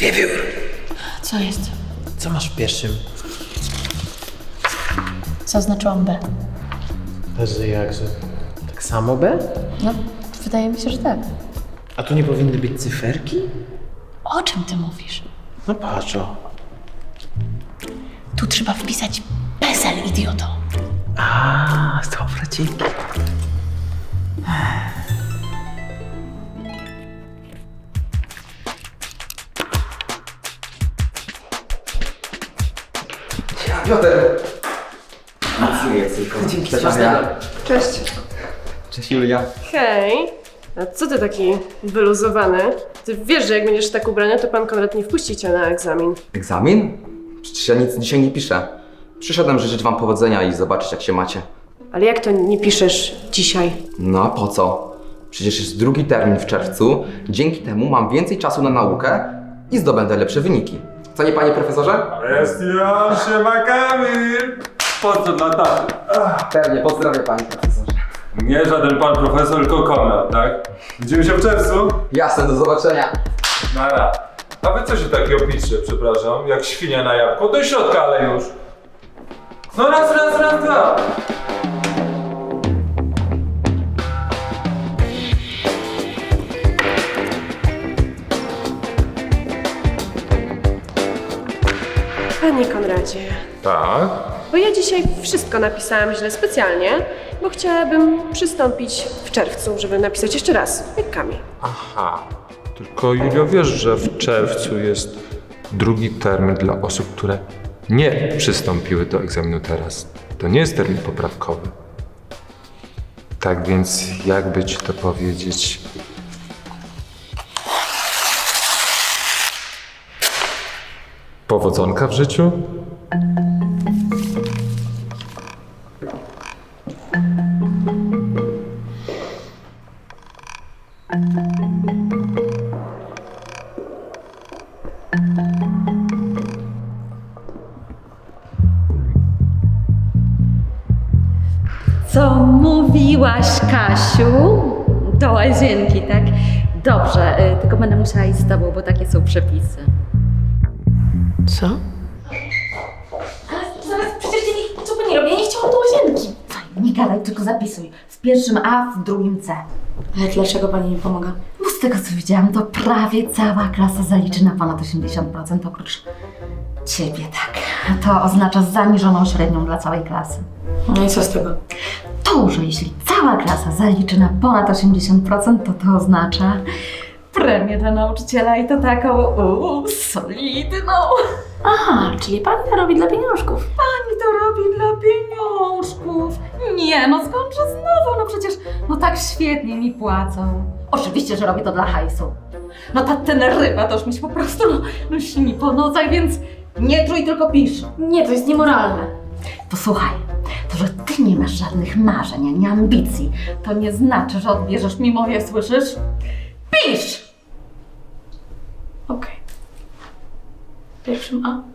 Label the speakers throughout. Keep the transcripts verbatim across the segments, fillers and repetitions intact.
Speaker 1: Wiewiór!
Speaker 2: Co jest?
Speaker 1: Co masz w pierwszym?
Speaker 2: Zaznaczyłam B.
Speaker 1: Boże, jakże? Tak samo B?
Speaker 2: No, wydaje mi się, że tak.
Speaker 1: A tu nie powinny być cyferki?
Speaker 2: O czym ty mówisz?
Speaker 1: No patrz o.
Speaker 2: Tu trzeba wpisać PESEL, idioto.
Speaker 1: A, dobra, dzięki.
Speaker 3: Piotr! Nic nie jest, tylko
Speaker 1: Dzięki,
Speaker 3: Cześć,
Speaker 1: smacznego.
Speaker 3: Ania.
Speaker 4: Cześć.
Speaker 3: Cześć, Julia.
Speaker 4: Hej. A co ty taki wyluzowany? Ty wiesz, że jak będziesz tak ubrany, to pan Konrad nie wpuści cię na egzamin.
Speaker 3: Egzamin? Przecież ja nic dzisiaj nie piszę. Przyszedłem życzyć wam powodzenia i zobaczyć, jak się macie.
Speaker 4: Ale jak to nie piszesz dzisiaj?
Speaker 3: No a po co? Przecież jest drugi termin w czerwcu. Dzięki temu mam więcej czasu na naukę i zdobędę lepsze wyniki. Co nie, panie profesorze?
Speaker 5: Jest ja, siema Kamil! Po co dla taty?
Speaker 3: Pewnie, pozdrawiam, panie profesorze.
Speaker 5: Nie żaden pan profesor, tylko Konrad, tak? Widzimy się w czerwcu?
Speaker 3: Jasne, do zobaczenia.
Speaker 5: Nara. A wy co się takiego pisze, przepraszam? Jak świnia na jabłko? Do środka, ale już. No raz, raz, raz, dwa.
Speaker 4: Panie Konradzie,
Speaker 5: Tak?
Speaker 4: bo ja dzisiaj wszystko napisałam źle specjalnie, bo chciałabym przystąpić w czerwcu, żeby napisać jeszcze raz, jak Kamil.
Speaker 5: Aha. Tylko Julio, wiesz, że w czerwcu jest drugi termin dla osób, które nie przystąpiły do egzaminu teraz. To nie jest termin poprawkowy. Tak więc, jakby ci to powiedzieć... Powodzonka w życiu?
Speaker 6: Co mówiłaś, Kasiu? Do łazienki, tak? Dobrze, y, tylko będę musiała iść z tobą, bo takie są przepisy.
Speaker 2: Co?
Speaker 6: Ale zaraz, przecież ja nie, co by nie robię? Ja nie chciałam do łazienki.
Speaker 7: Nie gadaj, tylko zapisuj. W pierwszym A, w drugim C.
Speaker 2: Ale dlaczego pani mi pomaga?
Speaker 7: Bo z tego co widziałam, to prawie cała klasa zaliczy na ponad osiemdziesiąt procent oprócz ciebie, tak. To oznacza zaniżoną średnią dla całej klasy.
Speaker 2: No i co z tego?
Speaker 7: To, że jeśli cała klasa zaliczy na ponad osiemdziesiąt procent, to to oznacza premię dla nauczyciela i to taką uuu, solidną.
Speaker 2: Aha, czyli pani to robi dla pieniążków.
Speaker 7: Pani to robi dla pieniążków. Nie, no skądże znowu? No przecież, no tak świetnie mi płacą. Oczywiście, że robię to dla hajsu. No ta Teneryfa to już mi się po prostu, no, no śni po nocach, więc nie trój, tylko pisz.
Speaker 2: Nie, to jest niemoralne.
Speaker 7: Posłuchaj, to, że ty nie masz żadnych marzeń ani ambicji, to nie znaczy, że odbierzesz mi moje, słyszysz? Pisz!
Speaker 2: Okej. Pierwszym A.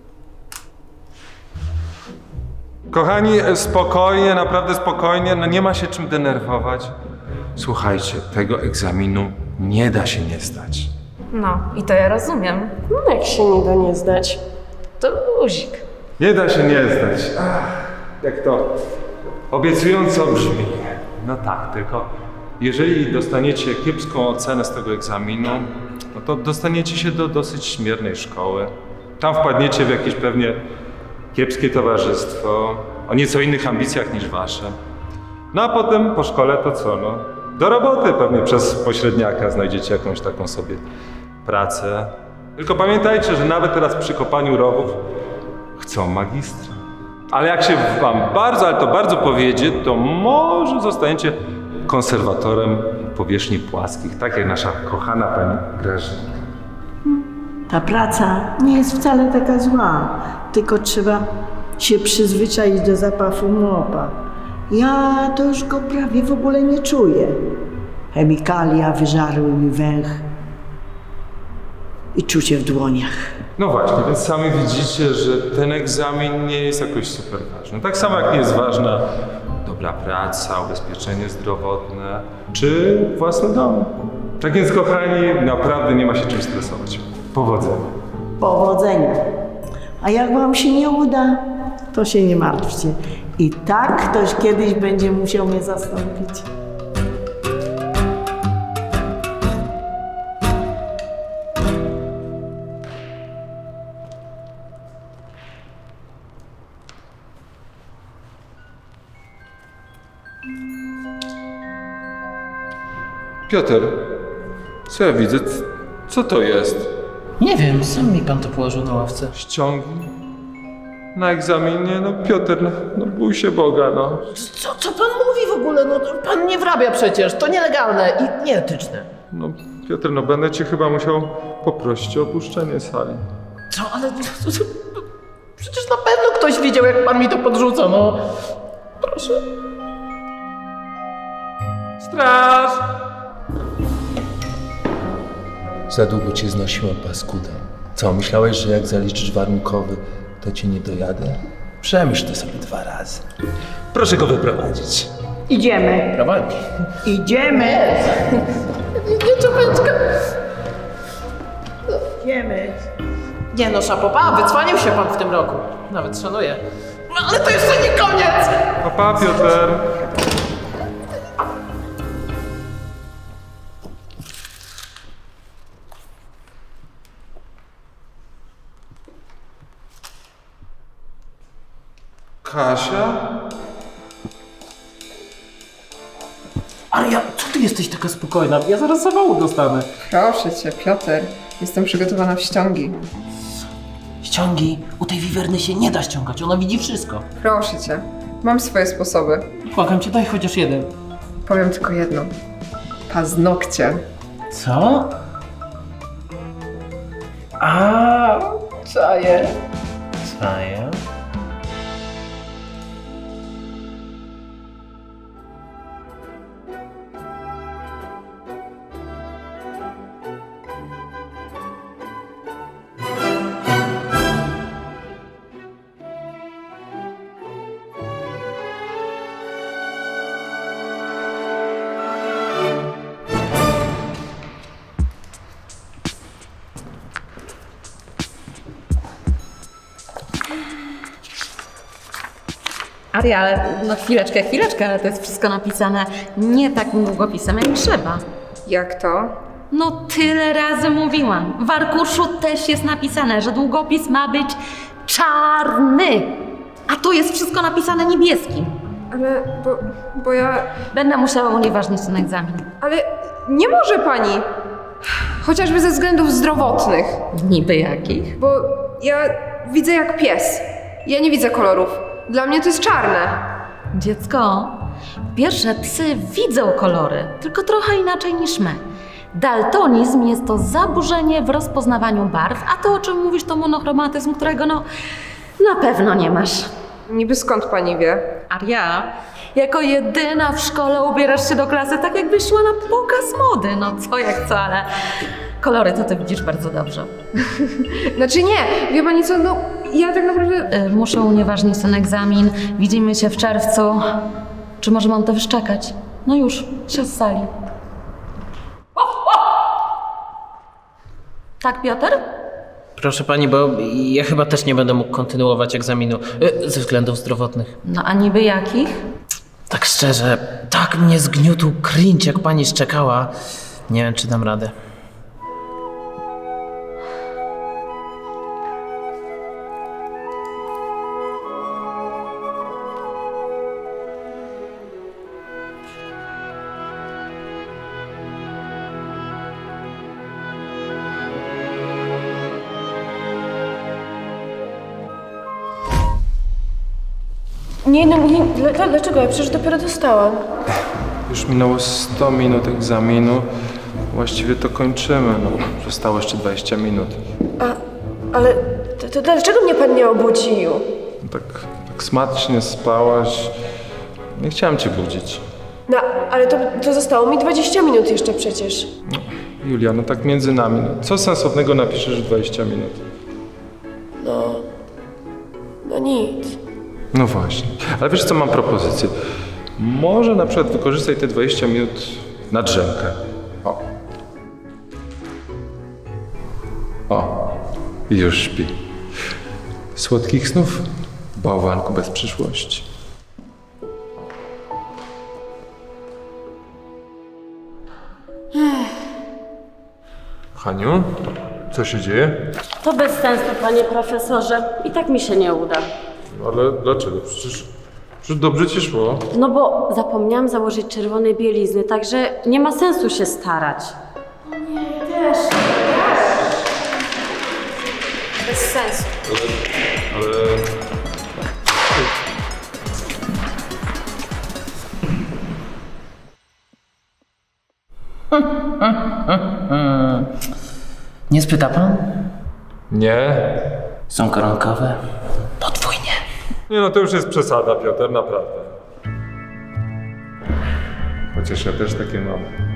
Speaker 5: Kochani, spokojnie, naprawdę spokojnie, no nie ma się czym denerwować. Słuchajcie, tego egzaminu nie da się nie zdać.
Speaker 6: No, i to ja rozumiem.
Speaker 4: No jak się nie da nie zdać, to luzik.
Speaker 5: Nie da się nie zdać. Ach, jak to obiecująco brzmi. No tak, tylko jeżeli dostaniecie kiepską ocenę z tego egzaminu, no to dostaniecie się do dosyć śmiernej szkoły. Tam wpadniecie w jakieś pewnie kiepskie towarzystwo, o nieco innych ambicjach niż wasze. No a potem po szkole to co, no? Do roboty pewnie przez pośredniaka znajdziecie jakąś taką sobie pracę. Tylko pamiętajcie, że nawet teraz przy kopaniu rowów chcą magistra. Ale jak się wam bardzo, ale to bardzo powiedzie, to może zostaniecie konserwatorem powierzchni płaskich, tak jak nasza kochana pani Grażynka.
Speaker 8: Ta praca nie jest wcale taka zła, tylko trzeba się przyzwyczaić do zapachu mopa. Ja to już go prawie w ogóle nie czuję. Chemikalia wyżarły mi węch i czucie w dłoniach.
Speaker 5: No właśnie, więc sami widzicie, że ten egzamin nie jest jakoś super ważny. Tak samo jak nie jest ważna dobra praca, ubezpieczenie zdrowotne czy własny dom. Tak więc kochani, naprawdę nie ma się czym stresować. Powodzenia.
Speaker 8: Powodzenia. A jak wam się nie uda, to się nie martwcie. I tak ktoś kiedyś będzie musiał mnie zastąpić.
Speaker 5: Piotr, co ja widzę? C- Co to jest?
Speaker 1: Nie wiem, sam mi pan to położył na ławce.
Speaker 5: Ściągi? Na egzaminie? No Piotr, no, no bój się Boga, no.
Speaker 1: Co, co pan mówi w ogóle? No to pan nie wrabia przecież, to nielegalne i nieetyczne.
Speaker 5: No Piotr, no będę cię chyba musiał poprosić o opuszczenie sali.
Speaker 1: Co, ale... Przecież na pewno ktoś widział, jak pan mi to podrzuca, no. Proszę.
Speaker 5: Straż!
Speaker 9: Za długo cię znosiłem, paskuda. Co, myślałeś, że jak zaliczysz warunkowy, to cię nie dojadę? Przemyśl to sobie dwa razy. Proszę go wyprowadzić.
Speaker 8: Idziemy.
Speaker 1: Prowadzi.
Speaker 8: Idziemy.
Speaker 1: Nie, czapeczka.
Speaker 8: Idziemy.
Speaker 1: Nie no, szapoba, wycwanił się pan w tym roku. Nawet szanuję. No ale to jeszcze nie koniec!
Speaker 5: Pa, pa, Piotr! Kasia?
Speaker 1: Aria, co ty jesteś taka spokojna? Ja zaraz zawału dostanę.
Speaker 10: Proszę cię, Piotr. Jestem przygotowana w ściągi.
Speaker 1: Ściągi, u tej wiwerny się nie da ściągać, ona widzi wszystko.
Speaker 10: Proszę cię. Mam swoje sposoby.
Speaker 1: Błagam cię, daj chociaż jeden.
Speaker 10: Powiem tylko jedno. Paznokcie.
Speaker 1: Co? A, czaję. Czaję?
Speaker 6: Aria, ale no chwileczkę, chwileczkę, ale to jest wszystko napisane nie takim długopisem, jak trzeba.
Speaker 10: Jak to?
Speaker 6: No tyle razy mówiłam. W arkuszu też jest napisane, że długopis ma być czarny. A tu jest wszystko napisane niebieskim.
Speaker 10: Ale, bo, bo ja...
Speaker 6: Będę musiała unieważnić ten egzamin.
Speaker 10: Ale nie może pani! Chociażby ze względów zdrowotnych.
Speaker 6: Niby jakich?
Speaker 10: Bo ja widzę jak pies. Ja nie widzę kolorów. Dla mnie to jest czarne.
Speaker 6: Dziecko, po pierwsze psy widzą kolory, tylko trochę inaczej niż my. Daltonizm jest to zaburzenie w rozpoznawaniu barw, a to, o czym mówisz, to monochromatyzm, którego no na pewno nie masz.
Speaker 10: Niby skąd pani wie?
Speaker 6: Aria, jako jedyna w szkole ubierasz się do klasy tak, jakbyś szła na pokaz mody. No co jak co, ale kolory to ty widzisz bardzo dobrze.
Speaker 10: Znaczy nie, wie pani co, no ja tak naprawdę...
Speaker 6: Y, muszę unieważnić ten egzamin. Widzimy się w czerwcu. Czy może mam to wyszczekać? No już, się z sali. Tak, Piotr?
Speaker 1: Proszę pani, bo ja chyba też nie będę mógł kontynuować egzaminu y, ze względów zdrowotnych.
Speaker 6: No a niby jakich?
Speaker 1: Tak szczerze, tak mnie zgniótł cringe, jak pani szczekała. Nie wiem, czy dam radę.
Speaker 4: Nie, no nie, dla- dlaczego? Ja przecież dopiero dostałam.
Speaker 5: Już minęło sto minut egzaminu. Właściwie to kończymy, no. Zostało jeszcze dwadzieścia minut.
Speaker 4: A, ale to, to dlaczego mnie pan nie obudził?
Speaker 5: No tak, tak smacznie spałaś. Nie chciałem cię budzić.
Speaker 4: No, ale to, to zostało mi dwadzieścia minut jeszcze przecież.
Speaker 5: Julia, no tak między nami. No, co sensownego napiszesz w dwadzieścia minut?
Speaker 4: No, no nic.
Speaker 5: No właśnie. Ale wiesz co, mam propozycję. Może na przykład wykorzystaj te dwadzieścia minut na drzemkę. O. O. I już śpi. Słodkich snów, bałwanku bez przyszłości. Haniu, co się dzieje?
Speaker 11: To bez sensu, panie profesorze. I tak mi się nie uda.
Speaker 5: Ale dlaczego? Przecież, przecież dobrze ci szło.
Speaker 11: No bo zapomniałam założyć czerwonej bielizny, także nie ma sensu się starać.
Speaker 4: Bez sensu.
Speaker 5: Ale...
Speaker 1: Nie spyta pan?
Speaker 5: Nie.
Speaker 1: Są koronkowe? Podwójnie.
Speaker 5: Nie no, to już jest przesada, Piotr, naprawdę. Chociaż ja też takie mam.